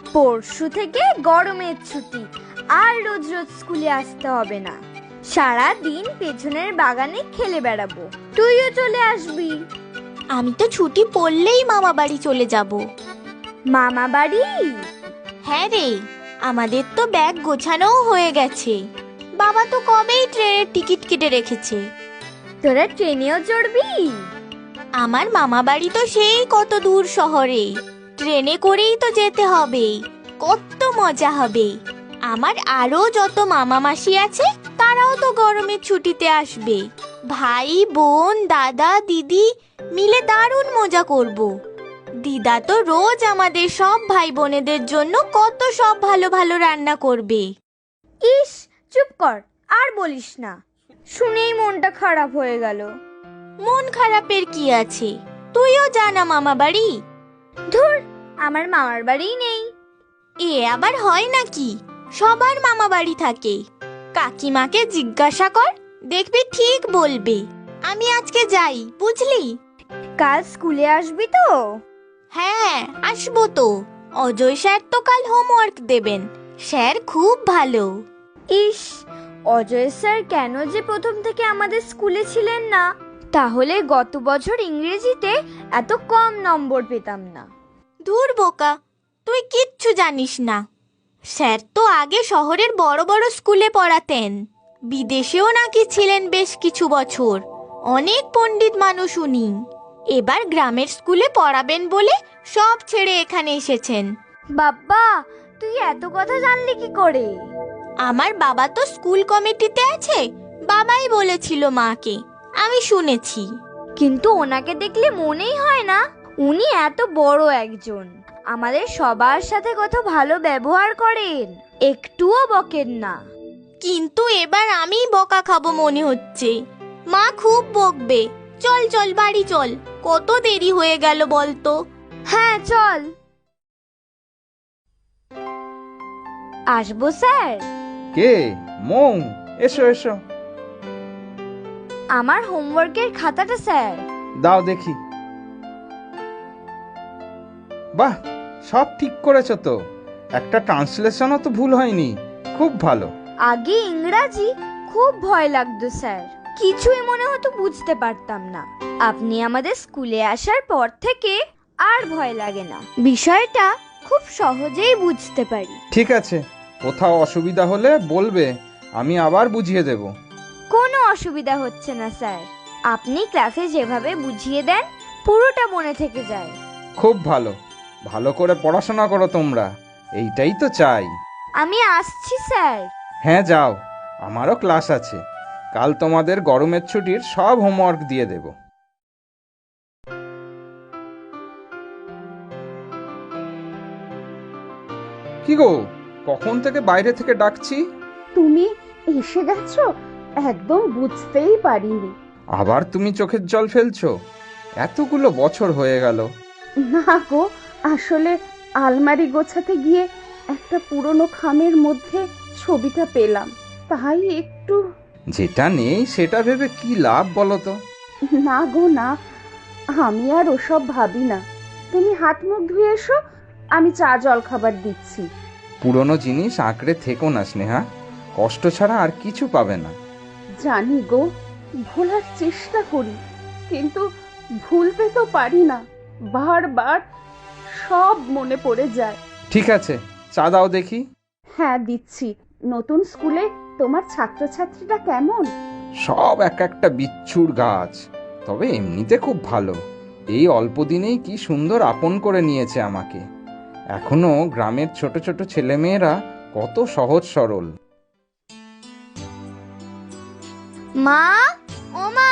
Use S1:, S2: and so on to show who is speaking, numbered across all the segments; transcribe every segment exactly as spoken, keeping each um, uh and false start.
S1: পরশু থেকে গরমের ছুটি, আর রোজ রোজ স্কুলে আসতে হবে না। সারা দিন পেছনের বাগানে খেলে বেড়াবো, তুইও চলে আসবি।
S2: আমি তো ছুটি পড়লেই মামা বাড়ি চলে যাব।
S1: মামা বাড়ি?
S2: হ্যাঁ রে, আমাদের তো ব্যাগ গোছানোও হয়ে গেছে। বাবা তো কবেই ট্রেনের টিকিট কেটে রেখেছে।
S1: তোরা ট্রেনেও চড়বি?
S2: আমার মামা বাড়ি তো সেই কত দূর শহরে, ট্রেনে করেই তো যেতে হবে। কত মজা হবে। আমার আরো যত মামা মাসি আছে তারাও তো গরমের ছুটিতে আসবে। ভাই বোন দাদা দিদি মিলে দারুণ মজা করব। দিদা তো রোজ আমাদের সব ভাই বোনেদের জন্য কত সব ভালো ভালো রান্না করবে।
S1: ইস, চুপ কর, আর বলিস না, শুনেই মনটা খারাপ হয়ে গেল।
S2: মন খারাপের কি আছে? তুইও জানা মামা বাড়ি।
S1: ধুর, আমার মামার বাড়িই নেই।
S2: এ আবার হয় নাকি? সবার মামা বাড়ি থাকে। কাকিমাকে জিজ্ঞাসা কর, দেখবি ঠিক বলবে। আমি আজকে যাই, বুঝলি?
S1: কাল স্কুলে আসবি তো?
S2: হ্যাঁ, আসবো তো। অজয় স্যার তো কাল হোমওয়ার্ক দেবেন। স্যার খুব ভালো।
S1: ইস, অজয় স্যার কেন যে প্রথম থেকে আমাদের স্কুলে ছিলেন না, তাহলে গত বছর ইংরেজিতে এত কম নম্বর পেতাম না।
S2: ধুর বোকা, তুই কিচ্ছু জানিস না। স্যার তো আগে শহরের বড় বড় স্কুলে পড়াতেন। বিদেশেও নাকি ছিলেন বেশ কিছু বছর। অনেক পণ্ডিত মানুষ উনি। এবার গ্রামের স্কুলে পড়াবেন বলে সব ছেড়ে এখানে এসেছেন।
S1: বাবা, তুই এত কথা জানলি কি করে?
S2: আমার বাবা তো স্কুল কমিটিতে আছে, বাবাই বলেছিল মাকে, আমি শুনেছি।
S1: কিন্তু ওনাকে দেখলে মনেই হয় না উনি এত বড় একজন। আমাদের সবার সাথে কত ভালো ব্যবহার করেন, একটুও বকেন না।
S2: কিন্তু এবার আমি বকা খাবো মনে হচ্ছে। মা খুব বকবে। চল চল বাড়ি চল, কত দেরি হয়ে গেল বলতো।
S1: হ্যাঁ চল। আসবো স্যার?
S3: কে? মৌ, এসো এসো।
S1: আমার হোমওয়ার্কের খাতাটা স্যার।
S3: দাও দেখি। বাহ, সব ঠিক করেছো তো। একটা ট্রান্সলেশনও তো ভুল হয়নি, খুব ভালো।
S1: আগে ইংরাজি খুব ভয় লাগতো স্যার, কিছুই মনে হতো বুঝতে পারতাম না। আপনি আমাদের স্কুলে আসার পর থেকে আর ভয় লাগে না, বিষয়টা খুব সহজেই বুঝতে পারি।
S3: ঠিক আছে, কোথাও অসুবিধা হলে বলবে, আমি আবার বুঝিয়ে দেব।
S1: কোনো অসুবিধা হচ্ছে না স্যার, আপনি ক্লাসে যেভাবে বুঝিয়ে দেন পুরোটা মনে থেকে যায়।
S3: খুব ভালো, ভালো করে পড়াশোনা করো তোমরা, এইটাই তো চাই।
S1: আমি আসছি স্যার।
S3: হ্যাঁ যাও, আমারও ক্লাস আছে। কাল তোমাদের গরমের ছুটির সব হোমওয়ার্ক দিয়ে দেব। কি গো, কখন থেকে বাইরে থেকে ডাকছি?
S4: তুমি এসে গেছো, একদম বুঝতেই পারিনি।
S3: আবার তুমি চোখের জল ফেলছো? এতগুলো বছর হয়ে গেল।
S4: না গো, আসলে আলমারি গোছাতে গিয়ে একটা পুরনো খামের মধ্যে ছবিটা পেলাম, তাই একটু।
S3: যেটা নেই সেটা ভেবে কি লাভ বলো তো?
S4: না গো না, আমি আর ওসব ভাবি না। তুমি হাত মুখ ধুয়ে এসো, আমি চা জল খাবার দিচ্ছি।
S3: পুরনো জিনিস আঁকড়ে থেকো না স্নেহা, কষ্ট ছাড়া আর কিছু পাবে না।
S4: জানি গো, ভোলার চেষ্টা করি, কিন্তু ভুলতে তো পারি না। বারবার সব মনে পড়ে যায়।
S3: ঠিক আছে, চা দাও দেখি।
S4: হ্যাঁ দিচ্ছি। নতুন স্কুলে তোমার ছাত্রছাত্রীরা কেমন?
S3: সব এক একটা বিচ্ছুর গাছ, তবে এমনিতে খুব ভালো। এই অল্প দিনেই কি সুন্দর আপন করে নিয়েছে আমাকে। এখনো গ্রামের ছোট ছোট ছেলেমেয়েরা কত সহজ সরল।
S1: মা, ও মা,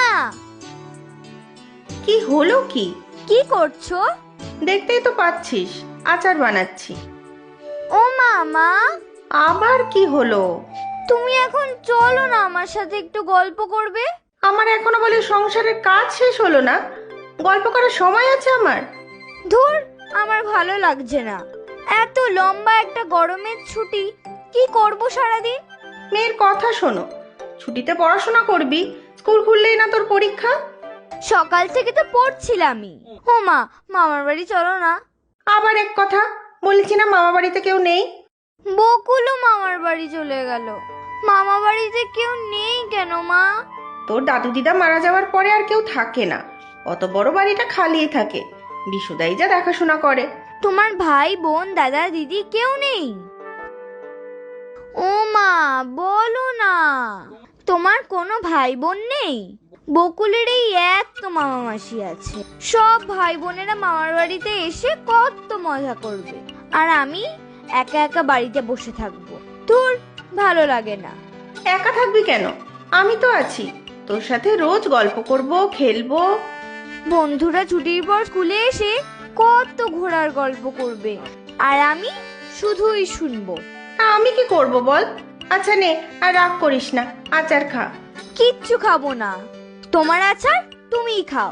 S5: কি হলো কি?
S1: কি করছো?
S5: দেখতেই তো পাচ্ছিস, আচার বানাচ্ছি।
S1: ও মা, মা
S5: আবার কি হলো?
S1: তুমি এখন চলো না, আমার সাথে একটু গল্প করবে।
S5: আমার এখনো বলে সংসারের কাজ শেষ হলো না? গল্প করার সময় আছে আমার?
S1: ধুর, আমার ভালো লাগছে না। এত লম্বা একটা গরমের ছুটি, কি করব সারাদিন?
S5: মেয়ের কথা শোনো, ছুটিতে পড়াশোনা করবি, স্কুল খুললেই না তোর পরীক্ষা।
S1: সকাল থেকে তো পড়ছিলামই। ও মা, মামার বাড়ি চলো না।
S5: আবার এক কথা, বলেছি না মামা বাড়িতে কেউ নেই।
S1: বকুলও মামার বাড়ি চলে গেল। মামা বাড়িতে কেউ নেই কেন মা?
S5: তোর দাদু দিদা মারা যাওয়ার পরে আর কেউ থাকে না, অত বড় বাড়িটা খালিই থাকে। বিশুদাই যা দেখাশোনা করে।
S1: তোমার ভাই বোন দাদা দিদি কেউ নেই? ও মা, বলো না, তোমার কোনো ভাই বোন নেই? বকুলের এই এক তো মামা মাসি আছে, সব ভাই বোনেরা মামার বাড়িতে এসে কত মজা করবে, আর আমি একা একা বাড়িতে বসে থাকবো। তোর ভালো লাগে না?
S5: একা থাকবি কেন? আমি তো আছি, তোর সাথে রোজ গল্প করব, খেলবো।
S1: বন্ধুরা ছুটির পর স্কুলে এসে কত ঘোরার গল্প করবে, আর আমি শুধুই শুনবো।
S5: আমি কি করব বল? আচ্ছা নে, আর রাগ করিস না, আচার খা।
S1: কিচ্ছু খাবো না, তোমার আচার তুমিই খাও।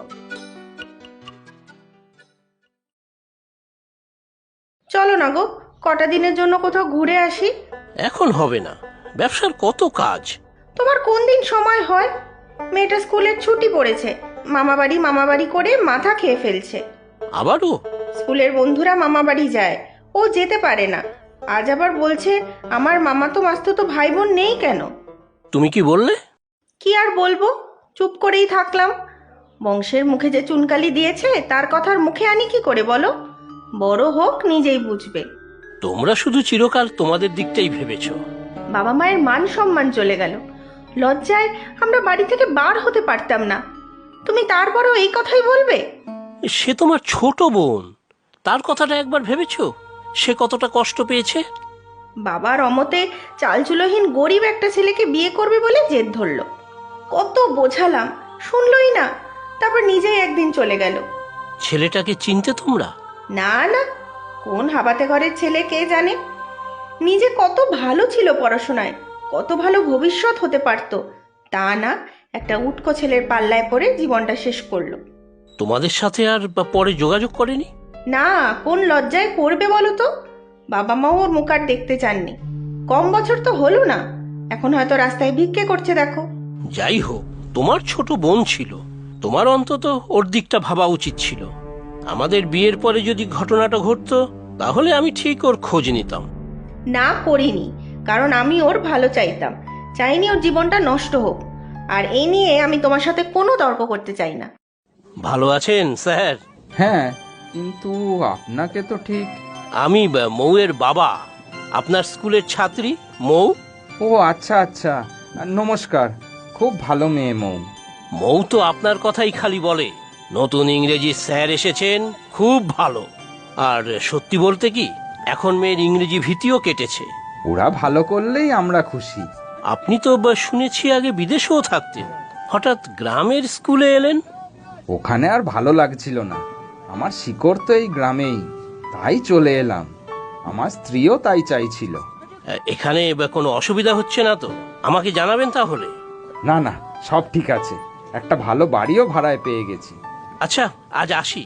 S5: চলো না গো, কটা দিনের জন্য কোথাও ঘুরে আসি।
S6: এখন হবে না, ব্যবসার কত কাজ।
S5: তোমার কোন দিন সময় হয়? মেয়েটা স্কুলের ছুটি পড়েছে, মামা বাড়ি মামা বাড়ি করে মাথা খেয়ে ফেলছে।
S6: আবারও?
S5: স্কুলের বন্ধুরা মামা বাড়ি যায়, ও যেতে পারে না। আজ আবার বলছে আমার মামা তো মাস্তুতো ভাই বোন নেই কেন।
S6: তুমি কি বললে?
S5: কি আর বলবো, চুপ করেই থাকলাম। বংশের মুখে যে চুনকালি দিয়েছে তার কথার মুখে আনি কি করে বলো? বড় হোক নিজেই বুঝবে।
S6: তোমরা শুধু চিরকাল তোমাদের দিকটাই ভেবেছ।
S5: বাবা মায়ের মান সম্মান চলে গেল, লজ্জায় আমরা বাড়ি থেকে বার হতে পারতাম না। তুমি তারপরেও এই কথাই বলবে?
S6: সে তোমার ছোট বোন, তার কথাটা একবার ভেবেছ? সে কতটা কষ্ট পেয়েছে।
S5: বাবার অমতে চালচুলোহীন গরিব একটা ছেলেকে বিয়ে করবে বলে জেদ ধরলো। কত বোঝালাম, শুনলই না। তারপর নিজেই একদিন চলে গেল।
S6: ছেলেটাকে চিনতে তোমরা?
S5: না না, কোন হাবাতে ঘরের ছেলে কে জানে। নিজে কত ভালো ছিল পড়াশোনায়, কত ভালো ভবিষ্যৎ হতে পারত, তা না, একটা উটকো ছেলের পাল্লায় পড়ে জীবনটা শেষ করলো।
S6: তোমাদের সাথে আর বা পরে যোগাযোগ করেনি?
S5: না, কোন লজ্জায় করবে বলো তো? বাবা মাও ওর মুখ আর দেখতে চাননি। কম বছর তো হলো না, এখন হয়তো রাস্তায় ভিক্ষে করছে দেখো।
S6: যাই হোক, তোমার ছোট বোন ছিল, তোমার অন্তত ওর দিকটা ভাবা উচিত ছিল। আমাদের বিয়ের পরে যদি ঘটনাটা ঘটতো তাহলে আমি ঠিক ওর খোঁজ নিতাম।
S5: না, করিনি, কারণ আমি ওর ভালো চাইতাম, চাইনি ওর জীবনটা নষ্ট হোক। আর এই নিয়ে আমি তোমার সাথে কোনো তর্ক করতে চাই না।
S6: ভালো আছেন স্যার?
S3: হ্যাঁ, কিন্তু আপনাকে তো ঠিক।
S6: আমি বা, মৌয়ের বাবা, আপনার স্কুলের ছাত্রী মৌ।
S3: ও আচ্ছা আচ্ছা, নমস্কার। খুব ভালো মেয়ে মৌ।
S6: মৌ তো আপনার কথাই খালি বলে। নতুন ইংরেজি স্যার এসেছেন, খুব ভালো। আর সত্যি বলতে কি, এখন মেয়ের ইংরেজি ভীতিও কেটেছে।
S3: ওরা ভালো করলেই আমরা খুশি।
S6: আপনি তো বা, শুনেছি আগে বিদেশেও থাকতেন, হঠাৎ গ্রামের স্কুলে এলেন?
S3: ওখানে আর ভালো লাগছিল না, আমার শিকড় তো এই গ্রামেই, তাই চলে এলাম। আমার স্ত্রীও তাই চাইছিল।
S6: এখানে বা, কোনো অসুবিধা হচ্ছে না তো? আমাকে জানাবেন তাহলে।
S3: না না, সব ঠিক আছে, একটা ভালো বাড়িও ভাড়ায় পেয়ে গেছি।
S6: আচ্ছা, আজ আসি।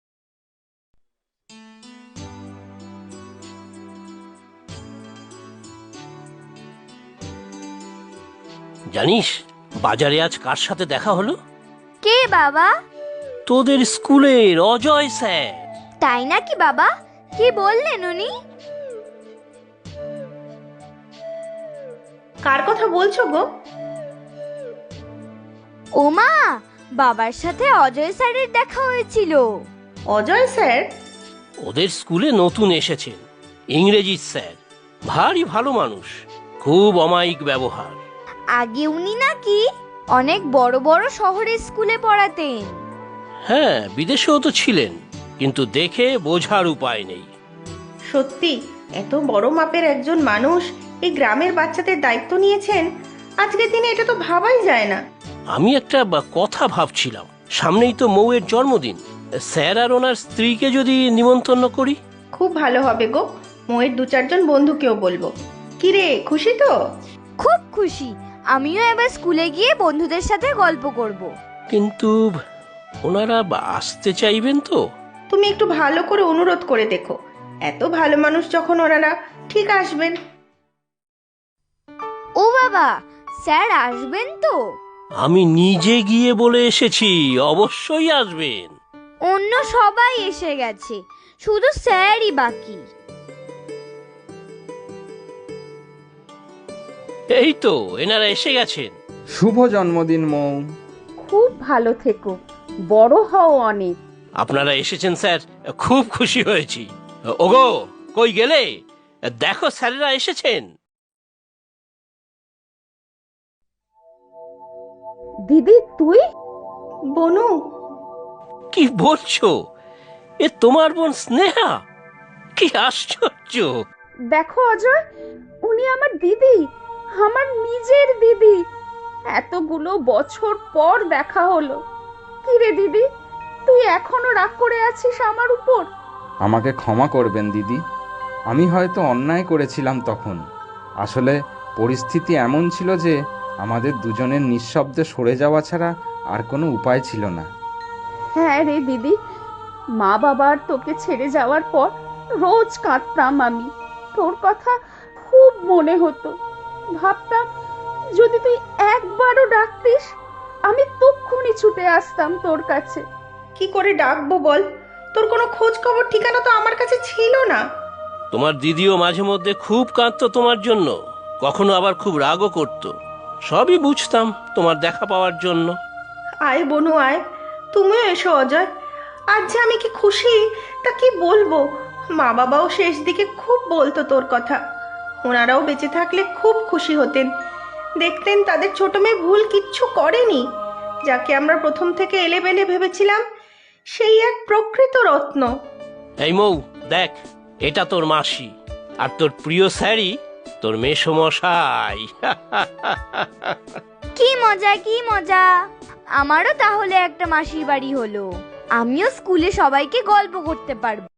S6: জানিস, বাজারে আজ কার সাথে দেখা হলো?
S1: কে বাবা?
S6: তোদের স্কুলের অজয় স্যার।
S1: তাই নাকি বাবা? কি বললেন উনি?
S5: কার কথা বলছো গো?
S1: ও মা, বাবার সাথে অজয় স্যারের দেখা হয়েছিল।
S5: অজয় স্যার?
S6: ওদের স্কুলে নতুন এসেছেন, ইংরেজি স্যার। ভারী ভালো মানুষ, খুব অমায়িক ব্যবহার।
S1: আগে উনি নাকি অনেক বড় বড় শহরের স্কুলে পড়াতেন।
S6: হ্যাঁ, বিদেশেও তো ছিলেন, কিন্তু দেখে বোঝার উপায় নেই।
S5: সত্যি এত বড় মাপের একজন মানুষ এই গ্রামের বাচ্চাদের দায়িত্ব নিয়েছেন, আজকের দিনে এটা তো ভাবাই যায় না।
S6: আমি একটা বা, কথা ভাবছিলাম, সামনেই তো মৌয়ের জন্মদিন, স্যার আর ওনার স্ত্রীকে যদি নিমন্ত্রণ করি।
S5: খুব ভালো হবে গো, মোয়ের দু চারজন বন্ধুকেও বলবো। কিরে, খুশি তো?
S1: খুব খুশি, আমিও এবার স্কুলে গিয়ে বন্ধুদের সাথে গল্প করব।
S6: কিন্তু ওনারা বা, আসতে চাইবেন তো?
S5: তুমি একটু ভালো করে অনুরোধ করে দেখো, এত ভালো মানুষ যখন ওনারা ঠিক আসবেন।
S1: ও বাবা, স্যার আসবেন তো?
S6: আমি নিজে গিয়ে বলে এসেছি, অবশ্যই আসবেন।
S1: অন্য সবাই এসে গেছে, শুধু স্যারই বাকি।
S6: এই তো এনারা এসে গেছেন।
S3: শুভ জন্মদিন মৌ।
S4: খুব ভালো থেকো, বড় হও অনেক।
S6: আপনারা এসেছেন স্যার, খুব খুশি হয়েছি। ওগো, কই গেলে? দেখো স্যারেরা এসেছেন।
S4: দিদি তুই?
S5: বনু,
S6: কি বলছো? এ তোমার বোন স্নেহা? কি আশ্চর্য!
S4: দেখো অজয়, উনি আমার দিদি, আমার নিজের দিদি। এতগুলো বছর পর দেখা হলো। কি রে দিদি, তুই এখনো রাগ করে আছিস আমার উপর?
S3: আমাকে ক্ষমা করবেন দিদি, আমি হয়তো অন্যায় করেছিলাম তখন। আসলে পরিস্থিতি এমন ছিল যে আমাদের দুজনের নিঃশব্দে সরে যাওয়া ছাড়া আর কোনো উপায় ছিল না।
S4: হ্যাঁ রে দিদি, মা বাবার তোকে ছেড়ে যাওয়ার পর রোজ কাঁদতাম আমি। তোর কথা খুব মনে হতো। ভাবতাম যদি তুই একবারও ডাকতিস, আমি তক্ষুনি ছুটে আসতাম তোর কাছে।
S5: কি করে ডাকবো বল? তোর কোনো খোঁজ খবর ঠিকানা তো আমার কাছে ছিল না।
S6: তোমার দিদিও মাঝে মধ্যে খুব কাঁদতো তোমার জন্য, কখনো আবার খুব রাগও করতো। সবই বুঝতাম তোমার দেখা পাওয়ার জন্য।
S5: আয় বনু আয়, তুমিও এসো অজয়। আজ যে আমি কি খুশি তা কি বলবো। মা বাবাও শেষ দিকে খুব বলতো তোর কথা। ওনারাও বেঁচে থাকলে খুব খুশি হতেন, দেখতেন তাদের ছোট মেয়ে ভুল কিচ্ছু করেনি। যাকে আমরা প্রথম থেকে এলেবেলে ভেবেছিলাম, সেই এক প্রকৃত রত্ন।
S6: এই মৌ, দেখ, এটা তোর মাসি, আর তোর প্রিয় স্যারই তোর মেসমশাই।
S1: কি মজা কি মজা! আমারও তাহলে একটা মাসির বাড়ি হলো। আমিও স্কুলে সবাইকে গল্প করতে পারবো।